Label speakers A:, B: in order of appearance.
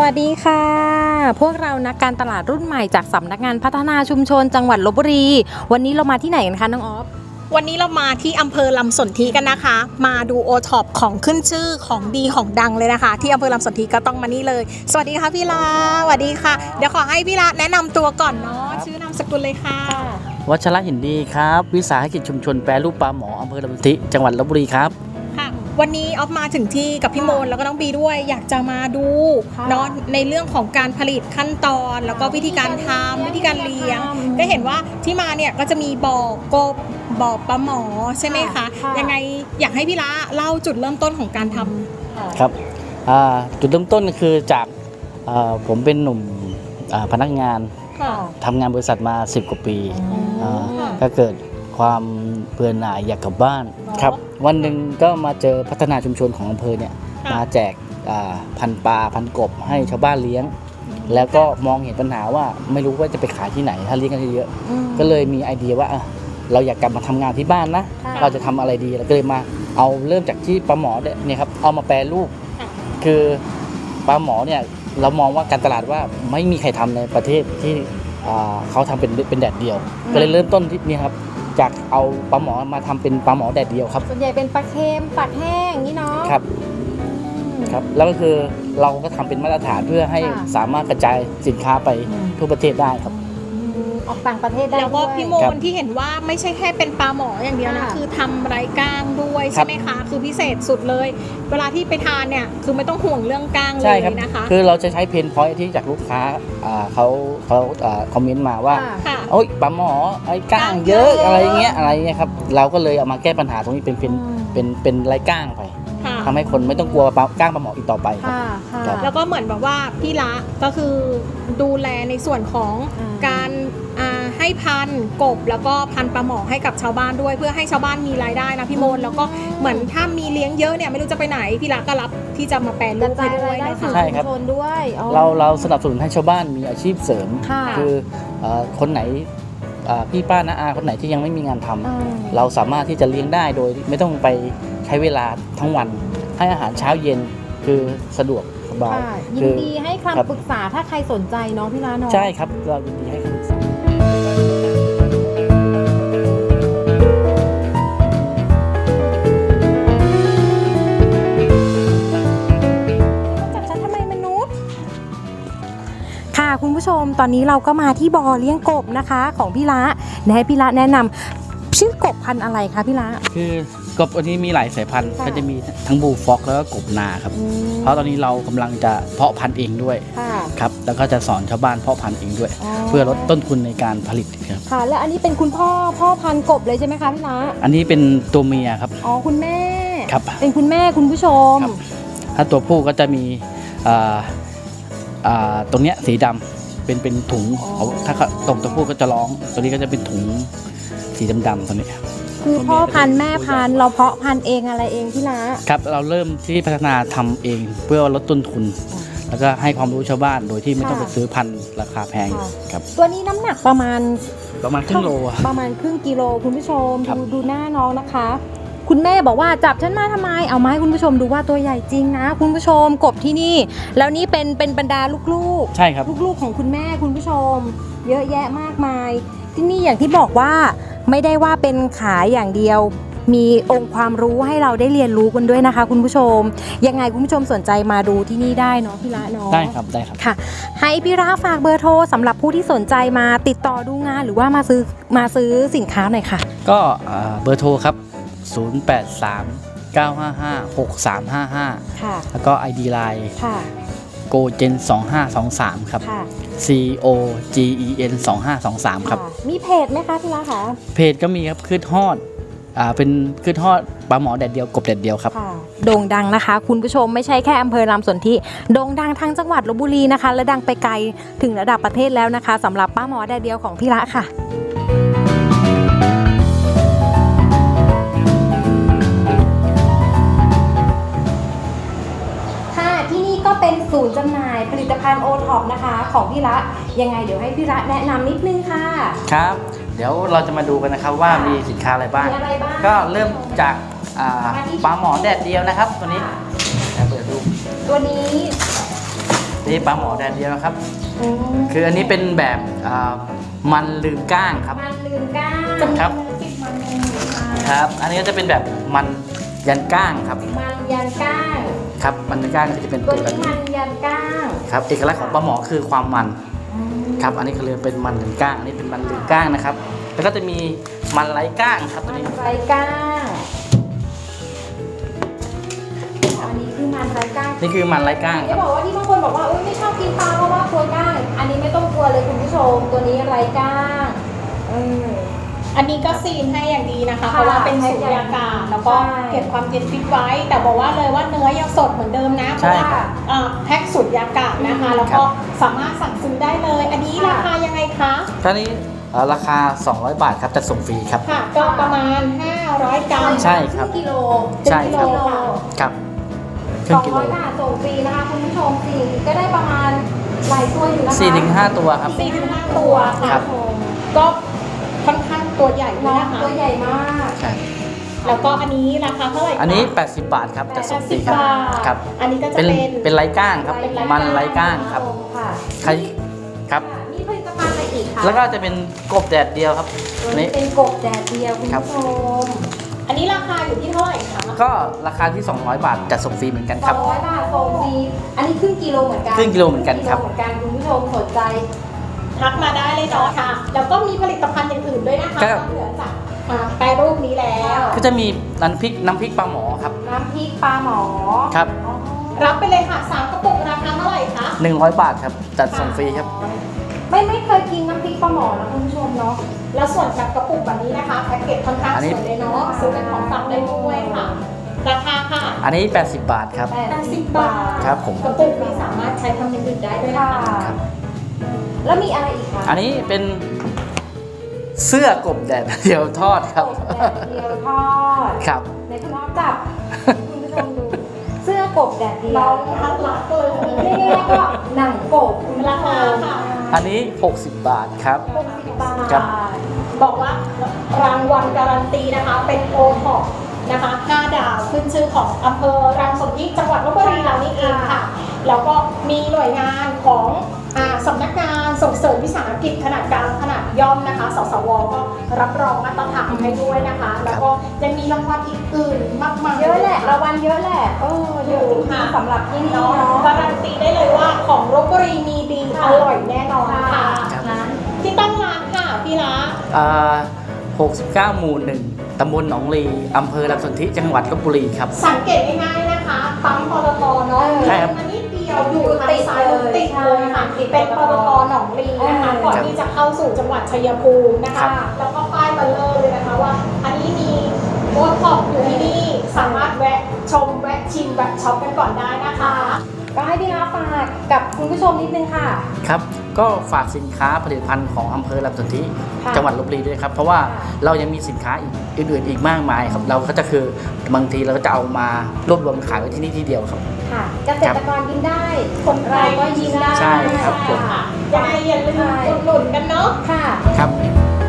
A: วัสดีค่ะพวกเรานักการตลาดรุ่นใหม่จากสำนักงานพัฒนาชุมชนจังหวัดลพบุรีวันนี้เรามาที่ไหนกันคะน้องออฟ
B: วันนี้เรามาที่อำเภอลำสนธิกันนะคะมาดูโอท็อปของขึ้นชื่อของดีของดังเลยนะคะที่อำเภอลำสนธิก็ต้องมานี่เลยสวัสดีค่ะพี่ลาสวัสดีค่ะเดี๋ยวขอให้พี่ลาแนะนำตัวก่อนเนาะชื่อนามสกุลเลยค่ะ
C: วัชระหินดีครับวิสาหกิจชุมชนแปรรูปปลาหมออำเภอลำสนธิจังหวัดลพบุรีครับ
B: ค่ะวันนี้ออฟมาถึงที่กับพี่โมนแล้วก็น้องบีด้วยอยากจะมาดูเนาะในเรื่องของการผลิตขั้นตอนแล้วก็วิธีการทำวิธีการเลี้ยงก็เห็นว่าที่มาเนี่ยก็จะมีบ่อกบบ่อปลาหมอใช่ไหมคะยังไงอยากให้พี่ละเล่าจุดเริ่มต้นของการทำ
C: ครับจุดเริ่มต้นคือจากผมเป็นหนุ่มพนักงานทำงานบริษัทมา10 กว่าปีก็เกิดความเบื่อหน่ายอยากกลับบ้านครับวันหนึ่งก็มาเจอพัฒนาชุมชนของอำเภอเนี่ยมาแจกพันปลาพันกบให้ชาวบ้านเลี้ยงแล้วก็มองเห็นปัญหาว่าไม่รู้ว่าจะไปขายที่ไหนถ้าเลี้ยงกันเยอะก็เลยมีไอเดียว่าเราอยากกลับมาทำงานที่บ้านนะเราจะทำอะไรดีเราก็เลยมาเอาเริ่มจากที่ปลาหมอเนี่ยครับเอามาแปรรูปคือปลาหมอเนี่ยเรามองว่าการตลาดว่าไม่มีใครทำในประเทศที่เขาทำเป็นแดดเดียวก็เลยเริ่มต้นที่นี่ครับจากเอาปลาหมอมาทำเป็นปลาหมอแดดเดียวครับ
A: ส่วนใหญ่เป็นปลาเค็มปลาแห้งนี่เนาะ
C: ครับแล้วก็คือเราก็ทำเป็นมาตรฐานเพื่อให้สามารถกระจายสินค้าไปทั่วประเทศได้ครับ
A: ออกต่างประเทศได้
B: แล้วก็พี่โมนที่เห็นว่าไม่ใช่แค่เป็นปลาหมออย่างเดียวนะคือทำไร้ก้างด้วยใช่ไหมคะคือพิเศษสุดเลยเวลาที่ไปทานเนี่ยคือไม่ต้องห่วงเรื่องก้างเลยนะคะ
C: คือเราจะใช้เพนพอยท์ที่จากลูกค้าเขาคอมเมนต์มาว่าโอ๊ยปลาหมอไอ้ก้างเยอะอะไรเงี้ยครับเราก็เลยเอามาแก้ปัญหาตรงนี้เป็นไร้ก้างไปทำให้คนไม่ต้องกลัวก้างปลาหมออีกต่อไปครับ
B: แล้วก็เหมือนแบบว่าพี่ละก็คือดูแลในส่วนของการให้พันกบแล้วก็พันปลาหมอให้กับชาวบ้านด้วยเพื่อให้ชาวบ้านมีรายได้นะพี่โมนแล้วก็เหมือนถ้ามีเลี้ยงเยอะเนี่ยไม่รู้จะไปไหนพี่ละก็รับที่จะมาแปลรูปให้ด้วยนะคะ
C: ใช่ครับเราสนับสนุนให้ชาวบ้านมีอาชีพเสริมคือคนไหนพี่ป้าน้าอาคนไหนที่ยังไม่มีงานทำเราสามารถที่จะเลี้ยงได้โดยไม่ต้องไปใช้เวลาทั้งวันให้อาหารเช้าเย็นคือสะดวกสบาย
A: ยินดีให้คำปรึกษาถ้าใครสนใจเนาะพี่ละเนาะ
C: ใช่ครับเรายินดีให้คำปรึกษา
A: คุณผู้ชมตอนนี้เราก็มาที่บ่อเลี้ยงกบนะคะของพี่ละให้พี่ละแนะนำชื่อกบพันธุ์อะไรคะพี่ละ
C: คือกบอันนี้มีหลายสายพันธุ์ก็จะมีทั้งบูฟ็อกแล้วก็กบนาครับเพราะตอนนี้เรากำลังจะเพาะพันธุ์เองด้วยครับแล้วก็จะสอนชาวบ้านเพาะพันธุ์เองด้วยเพื่อลดต้นทุนในการผลิตครับ
A: ค่ะและอันนี้เป็นคุณพ่อพันธุ์กบเลยใช่ไหมคะพี่ละ
C: อันนี้เป็นตัวเมียครับ
A: อ๋อคุณแม่
C: ครับ
A: เป็นคุณแม่คุณผู้ชม
C: ถ้าตัวผู้ก็จะมีตรงเนี้ยสีดำเป็นถุงถ้าตรงตัวผู้ก็จะร้องตัวนี้ก็จะเป็นถุงสีดำๆตัวนี้
A: คือพ่อพันธุ์แม่พันธุ์เราเพาะพันธุ์เองอะไรเองพี่ละ
C: ครับเราเริ่มที่พัฒนาทำเองเพื่อลดต้นทุนแล้วก็ให้ความรู้ชาวบ้านโดยที่ไม่ต้องไปซื้อพันธุ์ราคาแพงครับ
A: ตัวนี้น้ำหนักประมาณ
C: ครึ่งโล
A: ประมาณครึ่งกิโลคุณผู้ชมดูหน้าน้องนะคะคุณแม่บอกว่าจับฉันมาทำไมเอามาให้คุณผู้ชมดูว่าตัวใหญ่จริงนะคุณผู้ชมกบที่นี่แล้วนี่เป็นบรรดาลูก
C: ใช่ครับ
A: ลูกของคุณแม่คุณผู้ชมเยอะแยะมากมายที่นี่อย่างที่บอกว่าไม่ได้ว่าเป็นขายอย่างเดียวมีองค์ความรู้ให้เราได้เรียนรู้กันด้วยนะคะคุณผู้ชมยังไงคุณผู้ชมสนใจมาดูที่นี่ได้เนาะพี่ละเนาะ
C: ได้ครับ
A: ค่ะให้พี่ละฝากเบอร์โทรสำหรับผู้ที่สนใจมาติดต่อดูงานหรือว่ามาซื้อสินค้าหน่อยค่ะ
C: ก็เบอร์โทรครับ083-955-6355
A: ค่ะ
C: แล้วก็ ID Line
A: ค่ะ
C: GoGen 2523ครับ COGEN 2523ครับ
A: มีเพจไหมคะพี่ละคะ
C: เพจก็มีครับคืดฮอดเป็นคืดฮอดปลาหมอแดดเดียวกบแดดเดียวครับ
A: โด่งดังนะคะคุณผู้ชมไม่ใช่แค่อำเภอลำสนธิโด่งดังทั้งจังหวัดลพบุรีนะคะและดังไปไกลถึงระดับประเทศแล้วนะคะสำหรับปลาหมอแดดเดียวของพี่ละค่ะเป็นศูนย์จำหน่ายผลิตภัณฑ์โอท็อปนะคะของพี่ละยังไงเดี๋ยวให้พี่ละแนะนำนิดนึงค่ะ
C: ครับเดี๋ยวเราจะมาดูกันนะครับว่ามีสินค้าอะไรบ้างก็เริ่มจากปลาหมอแดดเดียวนะครับตัวนี้เปิดดู
A: ตัวนี้
C: นี่ปลาหมอแดดเดียวนะครับ
A: อืม
C: คืออันนี้เป็นแบบมันลืมก้างครับ
A: มันลืมก้าง
C: ครับ ครับ อันนี้ก็จะเป็นแบบมันยันก้างครับ
A: มันยันก้าง
C: ครับ มันยันก้างก็จะเป็น
A: ตั
C: ตัว วแบบ
A: นี้
C: นี้
A: มันยันก้าง
C: ครับ เอกลักษณ์ของปลาหมอคือความมัน ครับ อันนี้เขาเรียกเป็นมันลืมก้าง อันนี้เป็นมันลืมก้างนะครับ แล้วก็จะมีมันไร้ก้างครับตัว
A: มัน
C: นี้
A: ไร้ก้างอันนี้คือมันไร้ก้าง
C: นี่คือมันไร้ก้างค
A: จะ
C: รับ
A: บอกว่าที่บางคนบอกว่าไม่ชอบกินปลาเพราะว่ากลัวก้าง อันนี้ไม่ต้องกลัวเลยคุณผู้ชม ตัวนี้ไร้ก้างอืม
B: อันนี้ก็ซีนให้อย่างดีนะคะ
A: ค่ะ
B: เพราะว่าเป็นสูญญากาศแล้วก็
A: ใช่
B: เก็บความเย็นฟิตไว้ แต่บอกว่าเลยว่าเนื้อยังสดเหมือนเดิมนะเพ
C: ใช่
B: ราะว่า
C: ครับ
B: แพ็คสูญญากาศนะคะ แล้วก็สามารถสั่งซื้อได้เลย อันนี้ราคายังไงคะ
C: ท่านี้ราคา 200 บาทครับแต่ส่งฟรีครับ
B: ค่ะ ก็ประมาณ 500 กรัม
C: ใช่ครับ
A: กิโล
C: ใช่ครับ
A: กิโล
C: ครับครึ่งกิโล
A: 200 บาทส่งฟรีนะคะคุณผู้ชมสี่ก็ได้ประมาณหลายตัวอยู่นะคะ
C: 4-5 ตัวครับ
B: 4-5 ตัวค่ะ
C: ครับ
B: ก็ค่อนข้างตัวใหญ่ด้วย
A: น้อง
B: นะคะ
A: ตัวใหญ่มาก
C: ใช่
B: แล้วก็อันนี้ราคาเท่าไหร่คะ
C: อันนี้ 80 บาทครับแต่ส่งฟรี
B: 80
C: ครับ
B: บาท
C: ครับ
B: อันนี้ก็จะ
C: เป็น
B: เป็น
C: ไร้ก้างครับ
B: เป็นไร้ก้าง
C: มันไร้ก้างครับ
A: ค่ะ
C: ใครครับ
A: นี่ผลิตภัณฑ์อะไรอีกคะ
C: แล้วก็จะเป็นกบแดดเดียวครับ
A: ตัว
C: นี่
A: นี้เป็นกบแดดเดียวคุณ
C: ครับ
A: ผู้ชม
B: อันนี้ราคาอยู่ที่เท่าไหร่คะ
C: ก็ราคาที่ 200 บาทจัดส่งฟรีเหมือนกันครับ
A: 200 บาทส่งฟรีอันนี้ครึ่งกิโลเหมือนกัน
C: ครึ่งกิโลเหมือนกันครับ
A: งกิโลเหมือนกันคุณผู้ชมสนใจ
B: ทักมาได้เลยเนาะค่ะ แล้วก็มีผลิตภัณฑ์อย่างอื่นด้วยนะคะ
C: ครับ
B: นอกเหนือจากแปรรูปนี้แล้ว
C: ก็จะมีน้ำพริกปลาหมอครับ
A: น้ำพริกปลาหมอ
C: ครับ
A: อ๋อ
B: รับไปเลยค่ะ3กระปุกราคาเท่าไหร่คะ
C: 100 บาทครับจัดส่งฟรีครับ
A: ไม่เคยกินน้ำพริกปลาหมอนะคุณผู้ชมเนาะ
B: แล้วส่วนกับกระปุกแบบนี้นะคะแพ็กเกจค่อนข้าง
C: อัน
B: ส
C: นี้
B: วยเลยเนาะซื้อเป็นของฝากได้ด้วยค่ะ ราคาค่ะ
C: อันนี้ 80 บาทครับ
B: 80 บาท
C: ครับผม
B: กระปุกนี้สามารถใช้ทำอย่างอื่นได้ด้วย
A: ค่ะ
B: นะคะ
C: ครับ
A: แล้วมีอะไรอีกคะ
C: อันนี้เป็นเสื้อกบแดดเดียวทอดครับ
A: กบแดดเดียวทอด
C: ครับ
A: ในคุณน้องจับ คุณผู้ชมดู เสื้อกบแดดเดียว
B: เราทักรักเลย
A: เรียกได้ว่าก็หนังกบคุณผู้
B: รา
A: ช
B: คาม ค่ะ
C: อันนี้ 60 บาทครับ
A: 60 บาท
C: ครับ
B: บอกว่ารางวัลการันตีนะคะ เป็นโอท็อปนะคะ5 ดาวขึ้นชื่อของอำเภอรังสนธิจังหวัดลบบุรีเรานี่เองค่ะ แล้วก็มีหน่วยงานของสำนักงานส่งเสริมวิสาหกิจขนาดกลางขนาดย่อมนะคะ สสว ก็รับรองมาตรฐานให้ด้วยนะคะ แล้วก็ยังมีรางวัลอีกอื่นมากมาย
A: เยอะแหละรางวัลเยอะแหละเยอะจริงๆสำหรับที่นี่
B: เนาะ
A: เนาะ
B: การันตีได้เลยว่าของลบบุรีมีดีอร่อยแน่นอนค่ะ
C: ครับ
B: ที่ตั้งร้านค่ะพี่ละ
C: 69 หมู่ 1 ตำบลหนองลีอำเภอลำสนธิจังหวัดลบบุรีครับ
B: สังเกตง่ายๆนะคะปั๊มปตทเนาะ
C: ใช่ครับ
B: มันนิดเดียวอยู่ทางซ้ายมือติดเลยค่ะเป็นปตทหนองลีนะคะก่อนที่จะเข้าสู่จังหวัดชัยภูมินะ
C: ครั
B: คะ
C: บ
B: แล้วก็ป้ายเบลเลอร์เลยนะคะว่า อันนี้มีโบท็อกอยู่ที่นี่สามารถแวะชมแวะชิมแวะช็อปกันก่อนได้นะคะ
A: ก็ให้พี่ลาฝากกับคุณผู้ชมนิดนึงค่ะ
C: ครับ ก็ฝากสินค้าผลิตภัณฑ์ของอำเภอลำสนธิ
A: ค่ะ
C: จังหวัดลบบุรีด้วยครับ เพราะว่า
A: ค่ะ
C: เรายังมีสินค้าอื่นๆอีกมากมายครับ เราก็จะคือบางทีเราก็จะเอามารวบรวมขายไว้ที่นี่ที่เดียวครับ
A: ค่ะเกษตรกรยิ้มได้
B: คนไท
A: เรา
B: ย
A: ก็ยิ้มได้
C: ใช่ครับผม
B: ยังไงอย่าลืมอุดหนุนกันเนาะ
A: ค่ะ
C: ครับ